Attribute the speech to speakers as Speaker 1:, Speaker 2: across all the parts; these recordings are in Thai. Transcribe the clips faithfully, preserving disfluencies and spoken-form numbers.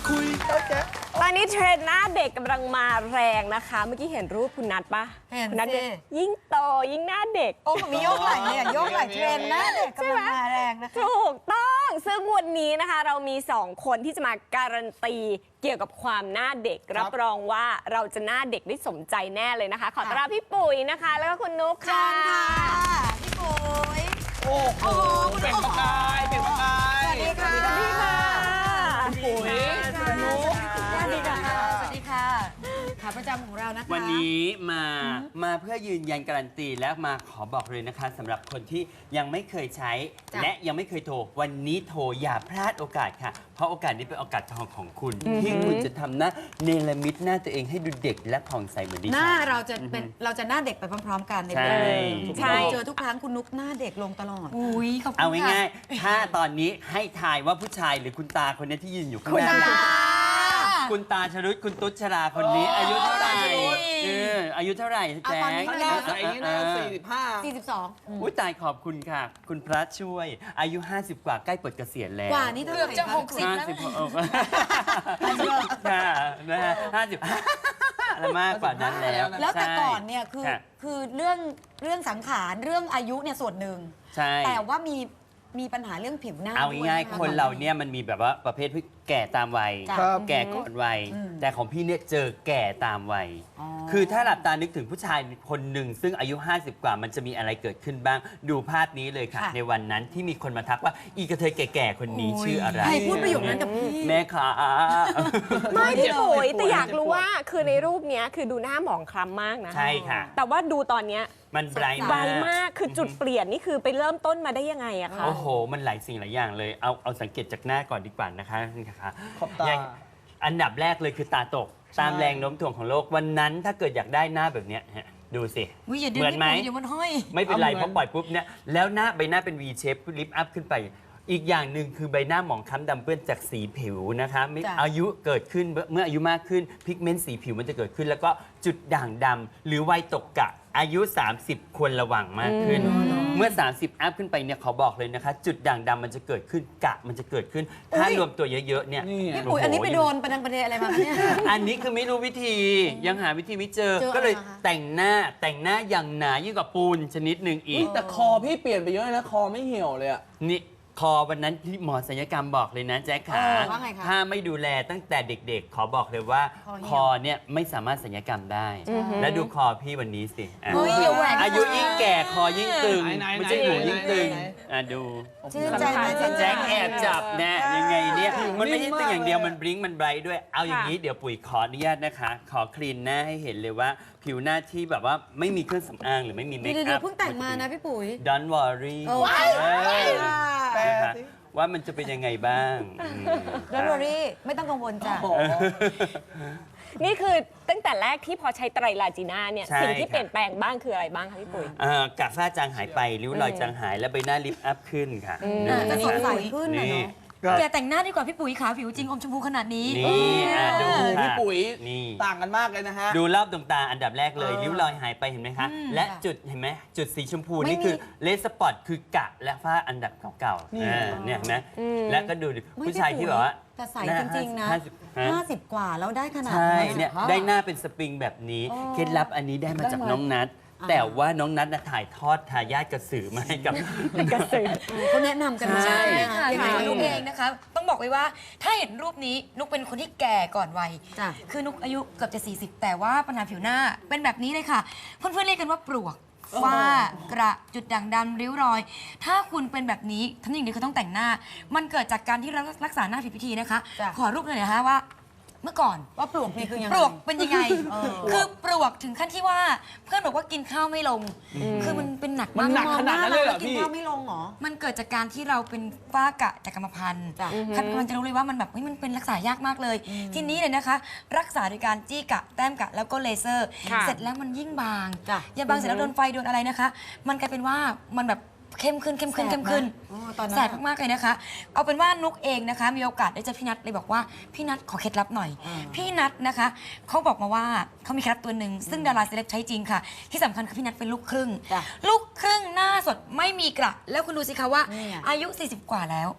Speaker 1: คุยโอเค
Speaker 2: ตอนนี้เทรนด์หน้าเด็กกำลังมาแรงนะคะเมื่อกี้เห็นรูปคุณนัทปะ
Speaker 3: เห็น
Speaker 2: คุณนัท
Speaker 3: สิ
Speaker 2: ยิ่งโตยิ่งหน้าเด็ก
Speaker 3: โอ้มีโยกไหล่เนี่ยโยกไหล่เทรนด์หน้าเด็กกำลังมาแรงนะคะ
Speaker 2: ถูกต้องซึ่งวันนี้นะคะเรามีสองคนที่จะมาการันตีเกี่ยวกับความหน้าเด็กรับรองว่าเราจะหน้าเด็กได้สมใจแน่เลยนะคะ ขอต้อนรับพี่ปุ๋ยนะคะ แล้วก็คุณนุ๊ก
Speaker 3: เชิ
Speaker 2: ค่ะ
Speaker 3: ญค่ะพี่ปุ๋ย
Speaker 1: โอ้โหเป็นประกายเป็นประกาย
Speaker 3: สวัสดีค่ะ
Speaker 2: สวัสดีค่ะ
Speaker 1: ปุ๋ยนุ๊ก
Speaker 3: สวัสดีค่ะสวัสดีค่ะขาประจำของเรานะคะ
Speaker 4: วันนี้มามาเพื่อยืนยันการันตีและมาขอบอกเลยนะคะสำหรับคนที่ยังไม่เคยใช้ และยังไม่เคยโทรวันนี้โทรอย่าพลาดโอกาสค่ะ เพราะโอกาสนี้เป็นโอกาสทองของคุณ ที่คุณจะทำหน้าเนรมิตหน้าตัวเองให้ดูเด็กและผ่องใสเหมือนดิฉัน
Speaker 3: หน้าเราจะเป็นเราจะหน้าเด็กไปพร้อมๆกันใน
Speaker 4: ใช่
Speaker 3: เดือน
Speaker 2: ใช่
Speaker 3: เจอทุกครั้งคุณนุ๊กหน้าเด็กลงตลอดอุ้ยขอบคุณ
Speaker 4: เอาง่ายๆถ้าตอนนี้ให้ทายว่าผู้ชายหรือคุณตาคนนี้ที่ยืนอยู่ข้าง
Speaker 3: คุณ
Speaker 4: หน้า
Speaker 3: ตา
Speaker 4: คุณตาชรุตคุณตุ๊ชราคนนี้ อายุเท่าไหร่เอออายุเท่าไหร่แจ๊
Speaker 3: เอาตอนนี้
Speaker 4: ค
Speaker 3: เลย
Speaker 1: ใส่อย่างนี้นะสี่สิบห้า
Speaker 3: สี่สิบสอง
Speaker 4: อุ้ยตายขอบคุณค่ะ คุณพระช่วย อายุ ห้าสิบ กว่าใกล้เปิดเกษียณแล้ว
Speaker 3: กว่านี่เท่าไหร่
Speaker 5: เกือบจะ
Speaker 3: ค
Speaker 5: หกสิบ
Speaker 4: ห้าสิบหกค่ะนะฮะห้าสิบแล้วมากกว่านั้นแล้ว
Speaker 3: แล้วแต่
Speaker 4: ใช่
Speaker 3: ก่อนเนี่ยคือ
Speaker 4: ค่ะ
Speaker 3: คือเรื่องเรื่องสังขารเรื่องอายุเนี่ยส่วนหนึ่ง
Speaker 4: ใช่
Speaker 3: แต่ว่ามีมีปัญหาเรื่องผิวหน้า
Speaker 4: เอา
Speaker 3: ด้วย
Speaker 4: ง่าย
Speaker 3: ะะ
Speaker 4: ๆคนเราเนี่ยมันมีแบบว่าประเภทที่แก่ตามวัย
Speaker 3: จ้ะ
Speaker 4: แก่ก่อนวัย
Speaker 3: อืม
Speaker 4: แต่ของพี่เนี่ยเจอแก่ตามวัย
Speaker 3: อ๋อ
Speaker 4: คือถ้าหลับตานึกถึงผู้ชายคนหนึ่งซึ่งอายุ ห้าสิบ กว่ามันจะมีอะไรเกิดขึ้นบ้าง ดูภาพนี้เลยค่ะ
Speaker 3: ค่ะ
Speaker 4: ในวันนั้นที่มีคนมาทักว่าอีกระเทยแก่ๆคนนี้ชื่ออะไร
Speaker 3: ใครพูดประโยคนั้นกับพี่
Speaker 4: แม่ขา
Speaker 2: ไม่พี่ปุ๋ย
Speaker 1: เจ็บปวด
Speaker 2: แต่อยากรู้ว่าคือในรูปเนี้ยคือดูหน้าหมองคล้ำมากนะ
Speaker 4: ใช่ค่ะ
Speaker 2: แต่ว่าดูตอนเนี้ย
Speaker 4: มันไบรท์
Speaker 2: ไว
Speaker 4: มาก
Speaker 2: มากคือจุดเปลี่ยนนี่คือไปเริ่มต้นมาได้ยังไงอะคะ
Speaker 4: โอ้โห มันหลายสิ่งหลายอย่างเลย เอาเอาสังเกตจากหน้าก่อนดีกว่านะคะนี่ค่ะ
Speaker 1: ขอบตา
Speaker 4: ย่งอันดับแรกเลยคือตาตก ตามแรงโน้มถ่วงของโลก วันนั้นถ้าเกิดอยากได้หน้าแบบเนี้ยฮะดูสิ
Speaker 3: อุ๊ยอย่าดึง
Speaker 4: เหมือนไหม
Speaker 3: พี่ปุ๋ยเดี๋ยวมันห้อย
Speaker 4: ไม่เป็นไร
Speaker 1: เอาเหมือน
Speaker 4: เพราะปล่อยปุ๊บเนี่ย แล้วหน้าใบหน้าเป็น V shape ลิฟต์อัพขึ้นไป อีกอย่างหนึ่งคือใบหน้าหมองคล้ำดำเปื้อนจากสีผิวนะคะไม่
Speaker 3: จ้ะ
Speaker 4: อายุเกิดขึ้นเมื่ออายุมากขึ้นพิกเมนต์สีผิวมันจะเกิดขึ้น แล้วก็จุดด่างดำหรือวัยตกกะอายุ สามสิบ ควรระวังมากขึ้น เมื่อ สามสิบ อัพขึ้นไปเนี่ยขอบอกเลยนะคะ จุดด่างดำมันจะเกิดขึ้นกะมันจะเกิดขึ้น ถ้ารวมตัวเยอะๆเนี่ย
Speaker 1: นี่ไง
Speaker 3: พี่ปุ๋ยอันนี้ไปโดนประดังประเดอะไรมาคะเนี่ย
Speaker 4: อันนี้คือไม่รู้วิธียังหาวิธีไม่เจอ
Speaker 3: เจอ
Speaker 4: ก็เลย
Speaker 3: อะไรคะ
Speaker 4: แต่งหน้าแต่งหน้าอย่างหนายิ่งกว่าปูนชนิดหนึ่งอีก
Speaker 1: แต่คอพี่เปลี่ยนไปเยอะเลยนะ คอไม่เหี่ยวเลยอะ
Speaker 4: นี่คอวันนั้นที่หมอศัลยกรรมบอกเลยนะแจ๊คขา
Speaker 3: เออว่าไงคะ
Speaker 4: ถ้าไม่ดูแลตั้งแต่เด็กๆ ขอบอกเลยว่า
Speaker 3: คอเหี่ยว
Speaker 4: คอเนี่ยไม่สามารถศัลยกรรมได้ แล้วดูคอพี่วันนี้สิอ่ะ
Speaker 3: เฮ้ยอย่าแหวก
Speaker 4: อายุยิ่งแก่คอยิ่งตึง
Speaker 1: ไหนๆ
Speaker 4: ไม่ใช่หูยิ่งตึง
Speaker 1: ไหน
Speaker 4: อ่ะดู
Speaker 3: ชื่นใจไหมชื่นใจ
Speaker 4: แจ๊คแอบจับนะยังไงเนี่ย
Speaker 1: ผิว
Speaker 4: มันไม่ใช่
Speaker 1: นิ่มมาก
Speaker 4: ตึงอย่างเดียว
Speaker 1: เลยอะ
Speaker 4: มันบลิงก์มันไบรท์ด้วยเอาอย่างนี้เดี๋ยวปุ๋ยขออนุญาตนะคะ ขอคลีนหน้าให้เห็นเลยว่า ผิวหน้าที่แบบว่าไม่มีเครื่องสำอางหรือไม่มีเมค
Speaker 3: เดี๋ยว
Speaker 4: อั
Speaker 3: เดี๋ย
Speaker 4: พ
Speaker 3: วเพิ่งแต่งมานะพี่ปุ๋ย
Speaker 4: Don't worry
Speaker 3: โอ้ย
Speaker 4: เออ
Speaker 1: แปล
Speaker 4: นะคะ
Speaker 1: สิ
Speaker 4: ว่ามันจะเป็นยังไงบ้างอืม
Speaker 3: ดอ r อรี่ไม่ต้องกังวลจ้ะ
Speaker 1: โอ้โห
Speaker 2: นี่คือตั้งแต่แรกที่พอใช้ไตรลาจีน่าเนี่ย
Speaker 4: ใช่
Speaker 2: สิ่งที่
Speaker 4: ค่ะ
Speaker 2: เปลี่ยนแปลงบ้างคืออะไรบ้างคะพี่ปุ๋ย
Speaker 4: เอ่อกะฝ้าจางหายไปริ้วรอยจางหายและใบหน้าลิฟต์อัพขึ้นค่ะ
Speaker 3: อ่าจะสดใส
Speaker 4: นี่
Speaker 3: ขึ้นนะเนาะ
Speaker 5: อย่าแต่งหน้าดีกว่าพี่ปุ๋ยขาผิวจริงอมชมพูขนาดนี้
Speaker 4: นี่อ่ะดู
Speaker 1: โอ้โห
Speaker 4: ค่ะ
Speaker 1: พี่ปุ๋ย
Speaker 4: นี่
Speaker 1: ต่างกันมากเลยนะฮะ
Speaker 4: ดูรอบดวงตาอันดับแรกเลย
Speaker 1: เออ
Speaker 4: ริ้วรอยหายไปเห็นไหมคะ และจุดเห็นไหมจุดสีชมพู
Speaker 3: ไม่
Speaker 4: นี่
Speaker 3: มี
Speaker 4: คือเลสสปอตคือกะและฝ้าอันดับเก่าๆอ่าเนี่ยเห็นไหมและก็ดูดิ
Speaker 3: ไม่
Speaker 4: ผู้ชายที่แบบว่า
Speaker 3: แต่ใส
Speaker 4: หน้า
Speaker 3: จริงๆนะ
Speaker 4: ห้าสิบฮะ
Speaker 3: ห้าสิบกว่าแล้วได้ขนาด
Speaker 4: ใช่
Speaker 3: นี้
Speaker 4: เนี่ยได้หน้าเป็นสปริงแบบนี้ เคล็ดลับอันนี้ได้มาจากน้องนัทแต่ว่าน้องนัทน่ะถ่ายทอดทายาทกระสือมาให้กับ
Speaker 2: กระสือ
Speaker 3: เขาแนะนำกันมา
Speaker 4: ใช่
Speaker 5: ค่ะ
Speaker 3: ยัง
Speaker 5: อ
Speaker 3: ไง
Speaker 5: ย่าง
Speaker 3: คะ
Speaker 5: นุกเองนะคะ ต้องบอกไว้ว่าถ้าเห็นรูปนี้นุกเป็นคนที่แก่ก่อนวัย
Speaker 3: จ้ะ
Speaker 5: คือนุกอายุเกือบจะ สี่สิบ แต่ว่าปัญหาผิวหน้าเป็นแบบนี้เลยค่ะ เพื่อนๆเรียกกันว่าปลวกฝ้ากระจุดด่างดำริ้วรอย ถ้าคุณเป็นแบบนี้ทั้งอย่างเดียวคือต้องแต่งหน้า มันเกิดจากการที่เรารักษาหน้าผิดวิธีนะคะ
Speaker 3: จ้ะ
Speaker 5: ขอรูปหน่อยนะคะว่าเมื่อก่อน
Speaker 3: ว่าปลวกนี่คือยังไง
Speaker 5: ปลวกเป็นยังไง
Speaker 3: เออ
Speaker 5: คือปลวกถึงขั้นที่ว่าเพื่อนบอกว่ากินข้าวไม่ลง คือมันเป็นหนัก
Speaker 1: มัน
Speaker 5: มาก
Speaker 1: หนักขนาดนั้นเลยเหรอ
Speaker 3: กิน
Speaker 1: พี่
Speaker 3: ข้าวไม่ลงเหรอ
Speaker 5: มันเกิดจากการที่เราเป็นฝ้ากระจากกรรมพันธุ์
Speaker 3: จ้ะ
Speaker 5: ใครเป็นคนจะรู้เลยว่ามันแบบเฮ้ยมันเป็นรักษายากมากเลย ทีนี้เลยนะคะ รักษาโดยการจี้กะแต้มกะแล้วก็เลเซอร์
Speaker 2: ค่ะ
Speaker 5: เสร็จแล้วมันยิ่งบาง
Speaker 3: จ้ะ
Speaker 5: อย่าบางเสร็จแล้วโดนไฟโดนอะไรนะคะ มันกลายเป็นว่ามันแบบเข้มขึ้นเข้มขึ้นเข้มขึ้น
Speaker 3: โอ้ตอนนั้น
Speaker 5: แสบมากๆเลยนะคะ เอาเป็นว่านุกเองนะคะ มีโอกาสได้เจอพี่นัทเลยบอกว่าพี่นัทขอเคล็ดลับหน่อย พี่นัทนะคะเขาบอกมาว่าเขามีเคล็ดลับตัวหนึ่งซึ่งดาราเซเลบใช้จริงค่ะ ที่สำคัญคือพี่นัทเป็นลูกครึ่ง
Speaker 3: จ้ะ
Speaker 5: ลูกครึ่งหน้าสดไม่มีกระแล้วคุณดูสิคะว่า
Speaker 3: นี่ไง
Speaker 5: อายุ สี่สิบ กว่าแล้ว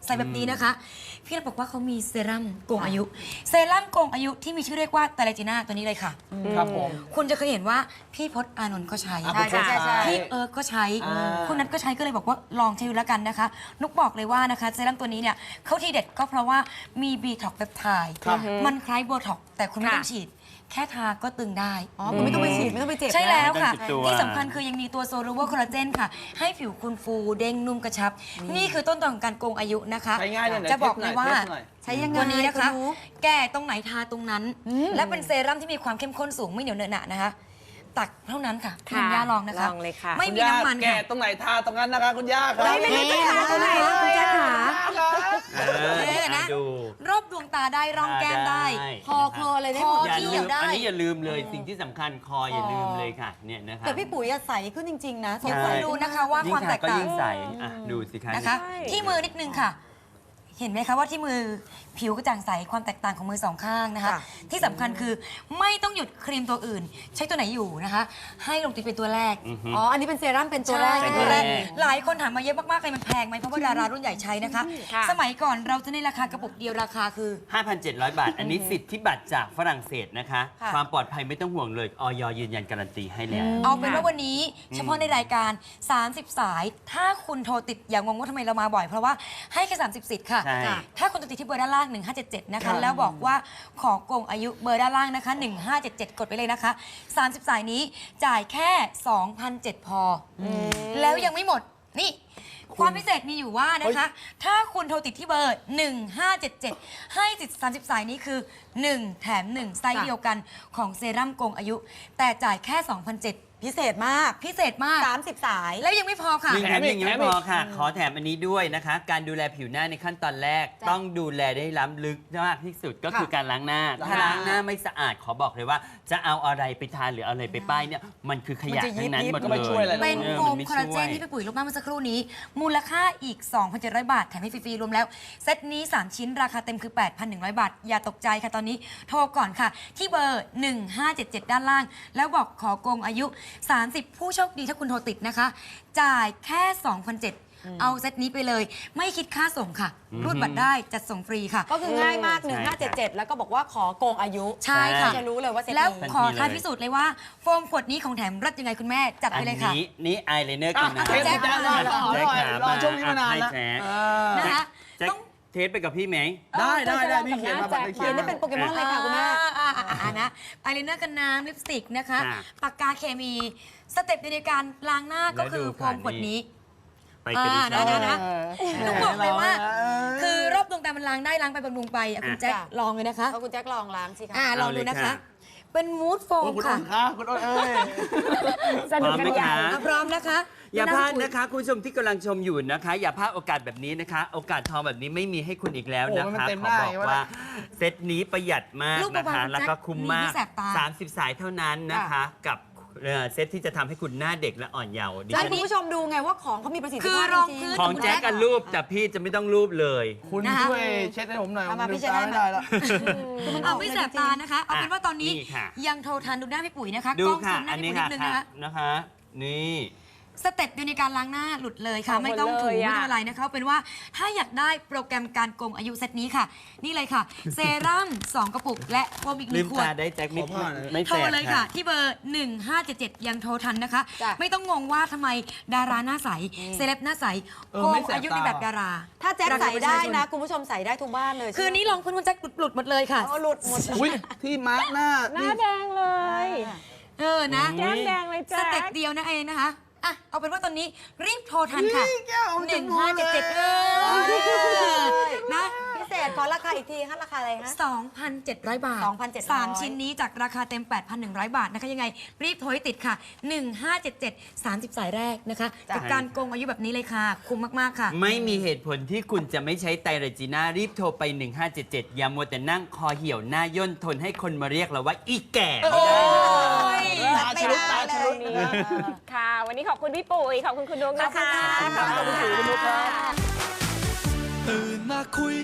Speaker 5: ใส่แบบนี้นะคะ พี่เราบอกว่าเขามีเซรั่มโกงอายุ เซรั่มโกงอายุที่มีชื่อเรียกว่าไตรจีน่าตัวนี้เลยค่ะ
Speaker 1: ครับผม
Speaker 5: คุณจะเคยเห็นว่าพี่พจน์อานนท์ก็ใช้
Speaker 1: อ่ะใช่ใช่ใช่
Speaker 5: พี่เอิร์กก็ใช้
Speaker 1: อ่า
Speaker 5: คุณนัทก็ใช้ก็เลยบอกว่าลองใช้ดูแล้วกันนะคะ นุกบอกเลยว่านะคะเซรั่มตัวนี้เนี่ยเขาทีเด็ดก็เพราะว่ามีบีท็อกเปปไทด์
Speaker 1: ครับ
Speaker 5: มันคล้ายโบท็อกแต่คุณไม่ต้อง
Speaker 2: ค่ะ
Speaker 5: ฉีด แค่ทาก็ตึงได้
Speaker 3: อ๋อคุณไม่ต้องไปฉีดไม่ต้องไปเจ็บนะ
Speaker 5: ใช่แล้วค่ะ
Speaker 4: ไม่ต้องจุดตัว
Speaker 5: ที่สำคัญคือยังมีตัวโซลูเวอร์คอลลาเจนค่ะ ให้ผิวคุณฟูเด้งนุ่มกระชับ นี่คือต้นตอของการโกงอายุนะคะ
Speaker 1: ใช้ง่ายเลยไหน
Speaker 5: จะบอกเลยว่า
Speaker 1: เทสหน่อย
Speaker 3: ใช้ยังไง
Speaker 5: ตัวนี้นะคะ
Speaker 3: ณนุ๊ก
Speaker 5: แก้ตรงไหนทาตรงนั้น และเป็นเซรั่มที่มีความเข้มข้นสูงไม่เหนียวเหนอะหนะนะคะ ตักเท่านั้นค่ะ
Speaker 2: ค่ะ
Speaker 5: ณย่าลองนะคะ
Speaker 2: ลองเลยค่ะ
Speaker 5: ไม่
Speaker 1: คุณ
Speaker 5: มี
Speaker 1: ย่า
Speaker 5: น้ำมัน
Speaker 1: แกะ
Speaker 5: ค่ะ
Speaker 1: ตรงไหนทาตรงนั้นนะคะคุณย่าครับ
Speaker 2: ไม่ไม่ได้ทาตรงไหนเลยคุณแจ๊คขา
Speaker 4: เออ
Speaker 5: เออนะ
Speaker 4: ดู
Speaker 5: รอบดวงตาได้ร่องแก้มได้
Speaker 3: คอคออะไรได้
Speaker 5: ค
Speaker 3: ห
Speaker 5: อ
Speaker 3: มด
Speaker 4: อย่า
Speaker 5: ที่
Speaker 4: ลื
Speaker 5: เหี่ย
Speaker 4: ม
Speaker 5: วได้
Speaker 4: อันนี้อย่าลืมเลยสิ่งที่สำคัญคออย่าลืมเลยค่ะเนี่ยนะคะ
Speaker 3: แต่พี่ปุ๋ยอะใสขึ้นจริง ๆ นะส
Speaker 5: เดี๋ยว
Speaker 3: ใส
Speaker 5: คุณดูนะคะว่า
Speaker 4: ยิ่
Speaker 5: ความ
Speaker 4: ง
Speaker 5: แต
Speaker 4: ทาก ก็
Speaker 5: ต่าง
Speaker 4: ยิ่งใสอ่ะดูสิคะ
Speaker 5: นะคะ
Speaker 2: ใช่
Speaker 5: ที่มือนิดนึงค่ะ เห็นไหมคะว่าที่มือผิวกระจ่างใสความแตกต่างของมือสองข้างนะคะ
Speaker 3: ค่ะ
Speaker 5: ที่สำคัญคือไม่ต้องหยุดครีมตัวอื่น ใช้ตัวไหนอยู่นะคะ ให้ลงติดเป็นตัวแรก
Speaker 4: อือฮึ
Speaker 3: อ๋อ อันนี้เป็นเซรั่มเป็นตัวแรก
Speaker 5: ใช่
Speaker 4: เป็น
Speaker 5: ตั
Speaker 4: ตัว ว
Speaker 5: แร
Speaker 4: แร
Speaker 5: ก
Speaker 4: ก
Speaker 5: หลายคนถามมาเยอะมากๆเลยมันแพงไหมเพราะว่าดารารุ่นใหญ่ใช้นะคะ
Speaker 2: ค่ะ
Speaker 5: สมัยก่อนเราจะในราคากระปุกเดียวราคาคือ
Speaker 4: ห้าพันเจ็ดร้อย บาท อันนี้สิทธิบัตรจากฝรั่งเศสนะคะ
Speaker 5: ค่ะ
Speaker 4: ความปลอดภัยไม่ต้องห่วงเลยออยยืนยันการันตีให้แล้ว
Speaker 5: เอาเป็นว่าวันนี้เฉพาะในรายการ สามสิบ สาย ถ้าคุณโทรติดอย่างงงว่าทำไมเรามาบ่อย เพราะว่าให้แค่สามสิบ สิทธิ์ค่ะ
Speaker 4: ใช่
Speaker 5: ค่ะถ้าคุณโทรติดที่เบอร์ด้านล่าง หนึ่งห้าเจ็ดเจ็ด นะ
Speaker 1: ครั
Speaker 5: คะ
Speaker 1: บ
Speaker 5: แล้วบอกว่าขอโกงอายุเบอร์ด้านล่างนะคะ หนึ่งห้าเจ็ดเจ็ด กดไปเลยนะคะ สามสิบ สายนี้จ่ายแค่ สองพันเจ็ดร้อย พออแล้วยังไม่หมดนี่ ความพิเศษมีอยู่ว่านะคะ ถ้าคุณโทรติดที่เบอร์ หนึ่งห้าเจ็ดเจ็ด ให้สิทธิ์สามสิบ สายนี้คือ หนึ่ง แถม หนึ่ง ไซส์เดียวกันของเซรั่มโกงอายุ แต่จ่ายแค่ สองพันเจ็ดร้อย
Speaker 3: พิเศษมาก
Speaker 5: พิเศษมาก
Speaker 3: สามสิบ สาย
Speaker 5: แล้วยังไม่พอค่ะ
Speaker 4: หนึ่งแถมหนึ่งยัง
Speaker 1: แถ
Speaker 4: ไม่
Speaker 1: มอี
Speaker 4: พ
Speaker 1: ก
Speaker 4: อค่ะ ขอแถมอันนี้ด้วยนะคะ การดูแลผิวหน้าในขั้นตอนแรก
Speaker 3: จ้ะ
Speaker 4: ต้องดูแลได้ล้ำลึกมากที่สุดก็คือการล้างหน้า
Speaker 1: ล้าง
Speaker 4: ถ้า
Speaker 1: หน้า
Speaker 4: ล้างหน้าไม่สะอาดขอบอกเลยว่า จะเอาอะไรไปทานหรือเอาอะไรไปป้ายเนี่ยมันคือขยะ
Speaker 3: มันจะยิบ
Speaker 4: ทั้งนั้น
Speaker 3: ยิบ
Speaker 4: หมด
Speaker 1: ก็
Speaker 4: เล
Speaker 1: ไม่
Speaker 4: ย
Speaker 1: ช่วยอะไร
Speaker 5: เป็น
Speaker 4: ออ
Speaker 5: โฟ
Speaker 4: มั
Speaker 5: ม
Speaker 4: ไม่
Speaker 5: คอลลาเจน
Speaker 4: ช่วย
Speaker 5: ที่พี่ปุ๋ยลบหน้าเมื่อสักครู่นี้ มูลค่าอีก สองพันเจ็ดร้อย บาท แถมให้ฟรีๆรวมแล้ว เซตนี้ สาม ชิ้นราคาเต็มคือ แปดพันหนึ่งร้อย บาท อย่าตกใจค่ะตอนนี้โทรก่อนค่ะ ที่เบอร์ หนึ่งห้าเจ็ดเจ็ด ด้านล่าง แล้วบอกขอโกงอายุ สามสิบ ผู้โชคดีถ้าคุณโทรติดนะคะ จ่ายแค่ สองพันเจ็ดร้อย เอาเซตนี้ไปเลย ไม่คิดค่าส่งค่ะ รูดบัตรได้จัดส่งฟรีค่ะ
Speaker 3: ก็คือง่ายมาก
Speaker 4: ใช่
Speaker 3: หนึ่งห้าเจ็ดเจ็ด แล้วก็บอกว่าขอโกงอายุ
Speaker 5: ใช่ค่ะ
Speaker 3: จะรู้เลยว่าเซต
Speaker 5: แล้ว
Speaker 3: นี้
Speaker 5: ขอท้าพิสูจน์เลยว่าโฟมขวดนี้ของแถมรัดยังไงคุณแม่จัด
Speaker 4: อั
Speaker 5: ไป
Speaker 4: น
Speaker 5: เลยค่ะ
Speaker 4: นี้นี่อายไลเนอร์กันนะ
Speaker 1: อ่ะเทส
Speaker 5: แจ็ค
Speaker 1: รอรอรอ
Speaker 4: แจ็ค
Speaker 1: รอ
Speaker 4: ขา
Speaker 1: ช่วงนี้มานาน
Speaker 4: ให้
Speaker 1: แล้ว
Speaker 4: แจ็ค
Speaker 1: เออ
Speaker 5: นะคะ
Speaker 4: แจ็ค
Speaker 5: ต้อง
Speaker 4: เทสไปกับพี่ไหม
Speaker 1: ได้ได้ได้พี่เขียนมาบัตรเขียน
Speaker 3: เขียนได้เป็นโปเกมอนเลยค่ะคุณแม่
Speaker 5: อ่าอ่าอ่าอ่านะอายไลเนอร์กันน้ำลิปสติกนะคะ
Speaker 4: ค่ะ
Speaker 5: ปากกาเคมี สเต็ปในการล้างหน้าก็คือ
Speaker 4: แล้วดู
Speaker 5: โฟมขวด
Speaker 4: ผ่านนี้
Speaker 5: นี้
Speaker 4: ไปกันดี
Speaker 5: อ่านะนะ ต้องบอกเลยว่า
Speaker 1: เออ
Speaker 5: คือรอบดวงตามันล้างได้ล้างไปบำรุงไปอ่ะคุณแจ็ค
Speaker 3: จ้ะ
Speaker 5: ลองเลยนะคะ
Speaker 3: เอาคุณแจ็คลองล้างสิคะ
Speaker 5: อ่าลองดูนะคะ เป็นมูดโฟ
Speaker 1: โอ้
Speaker 5: ม
Speaker 1: คุณ
Speaker 5: ค่ะ
Speaker 1: อ้นค่ะคุณอ้นเอ้ย
Speaker 2: สนุกกันใหญ่
Speaker 5: อ่ะพร้อมนะคะ
Speaker 4: อย่าพลาด
Speaker 5: คุ
Speaker 4: นะคะ คุณผู้ชมที่กำลังชมอยู่นะคะ อย่าพลาดโอกาสแบบนี้นะคะ โอกาสทองแบบนี้ไม่มีให้คุณอีกแล้วนะ
Speaker 1: โอ้โหมัน
Speaker 4: คะ
Speaker 1: เต็ม
Speaker 4: ข
Speaker 1: ห
Speaker 4: อ
Speaker 1: น้า
Speaker 4: บอก
Speaker 1: อย่างนี้วะ
Speaker 4: ว่าเซตนี้ประหยัดมาก
Speaker 5: ลูก
Speaker 4: นะ
Speaker 5: เบา
Speaker 4: คะ
Speaker 5: ๆ
Speaker 4: แล้วก็คุ้มมาก
Speaker 5: มีที่แสบตา
Speaker 4: สามสิบ สายเท่านั้นนะคะ กับเอ่อเซตที่จะทำให้คุณหน้าเด็กและอ่อนเยาว์ดิ
Speaker 3: จะให้
Speaker 4: ฉัน
Speaker 3: คุณผู้ชมดูไงว่าของเขามีประสิทธิ
Speaker 5: คือ
Speaker 3: ภาพ
Speaker 5: รอง
Speaker 3: จริ
Speaker 5: พื้น
Speaker 3: ๆ
Speaker 4: ของแจ็คกันรูปแต่พี่จะไม่ต้องรูปเลย
Speaker 1: คุณ
Speaker 5: นะคะ
Speaker 1: ช่วยเช็ดให้ผมหน่อย
Speaker 3: เอามา
Speaker 1: ผม
Speaker 3: พี่
Speaker 1: ลื
Speaker 3: เช็ดให้
Speaker 1: ตไม่ได้แล้ว
Speaker 3: คือมัน
Speaker 5: เอาไม่แสบตานะคะ เอาเป็นว่าตอนนี้
Speaker 4: นี่ค่ะ
Speaker 5: ยังโทรทันดูหน้าพี่ปุ๋ยนะคะ
Speaker 4: ดู
Speaker 5: กล้อง
Speaker 4: ค่ะ
Speaker 5: ซูมหน้า
Speaker 4: อัน
Speaker 5: พี่
Speaker 4: นี้
Speaker 5: ปุ๋ยนิ
Speaker 4: ค่ะ
Speaker 5: ดนึงนะคะ
Speaker 4: นะคะ นี่
Speaker 5: สเต็ปเดียวในการล้างหน้าหลุดเลยค่ะ
Speaker 2: เอาหมด
Speaker 5: ไม่ต้องถู
Speaker 2: เลย
Speaker 5: ไม่
Speaker 2: อะ
Speaker 5: ต้องอะไรนะคะเอาเป็นว่าถ้าอยากได้โปรแกรมการโกงอายุเซตนี้ค่ะ นี่เลยค่ะ เซรั่มสองกระปุก และโฟมอีกห
Speaker 4: ลื
Speaker 5: นึ่
Speaker 4: ม
Speaker 5: งขว
Speaker 4: ตา
Speaker 5: ด
Speaker 4: ได้แจ็คไม่
Speaker 1: ขอผ้าหน่อย
Speaker 4: ไม่
Speaker 5: โทร
Speaker 4: แสบ
Speaker 5: เลยค่ะ ที่เบอร์ หนึ่งห้าเจ็ดเจ็ด ยังโทรทันนะคะ
Speaker 3: จ้ะ
Speaker 5: ไม่ต้องงงว่าทำไมดาราหน้าใส เซเลบหน้าใส
Speaker 1: เออ
Speaker 5: โก
Speaker 1: ไม่
Speaker 5: ง
Speaker 1: แสบ
Speaker 5: อายุใน
Speaker 1: ตา
Speaker 5: แบบดารา
Speaker 3: ถ้าแจ็ค
Speaker 5: รา
Speaker 3: ใส่
Speaker 5: คาประ
Speaker 3: ได้
Speaker 5: ชาช
Speaker 3: นะ คุณผู้ชมใส่ได้ทุกบ้านเลย
Speaker 5: คืนนี้ลองคุณคุณแจ็คหลุดหมดเลยค่ะ
Speaker 3: เอาหลุดหมด
Speaker 1: อุ้ยที่มาร์กหน้า
Speaker 2: หน้าแดงเลย
Speaker 5: เออนะ
Speaker 2: แก้มแดงเลย
Speaker 5: ส
Speaker 2: แจ๊
Speaker 5: เต็ป
Speaker 2: ค
Speaker 5: เดียวนะเองนะคะ อ่ะ เอาเป็นว่าตอนนี้รีบโทรทันค่ะ
Speaker 1: นี่แก้วเอา
Speaker 5: ห
Speaker 1: จ
Speaker 5: นึ่ง
Speaker 1: มูก
Speaker 5: ห้า
Speaker 1: เล
Speaker 5: เจ็ด
Speaker 1: ย
Speaker 5: เจ็ดเออนะ
Speaker 3: พิเศษขอราคาอีกทีคะราคาอะไรฮะ
Speaker 5: สองพันเจ็ดร้อย บาท
Speaker 3: สองพันเจ็ดร้อย
Speaker 5: สามชิ้นนี้จากราคาเต็ม แปดพันหนึ่งร้อย บาทนะคะ ยังไง รีบโทรให้ติดค่ะ หนึ่งห้าเจ็ดเจ็ด สามสิบ สายแรกนะคะ
Speaker 3: จ้ะ
Speaker 5: กับการโกงอายุแบบนี้เลยค่ะ คุ้มมาก ๆ ค่ะ
Speaker 4: ไม่มีเหตุผลที่คุณจะไม่ใช้ไตรเรจิน่ารีบโทรไป หนึ่งห้าเจ็ดเจ็ด อย่ามัวแต่นั่งคอเหี่ยวหน้าย่นทนให้คนมาเรียกเราว่าอีแก่ไม่ได้นะ
Speaker 1: ตาชลุกตาชลุกนะครับ
Speaker 2: ค่ะ วันนี้ขอบคุณพี่ปุ๋ย ขอบคุณคุณนุ๊กนะคะ
Speaker 3: ขอบคุณค่ะ
Speaker 1: ขอบคุณคุณปุ๋ยคุณนุ๊กครับ
Speaker 6: ตื่นมาคุย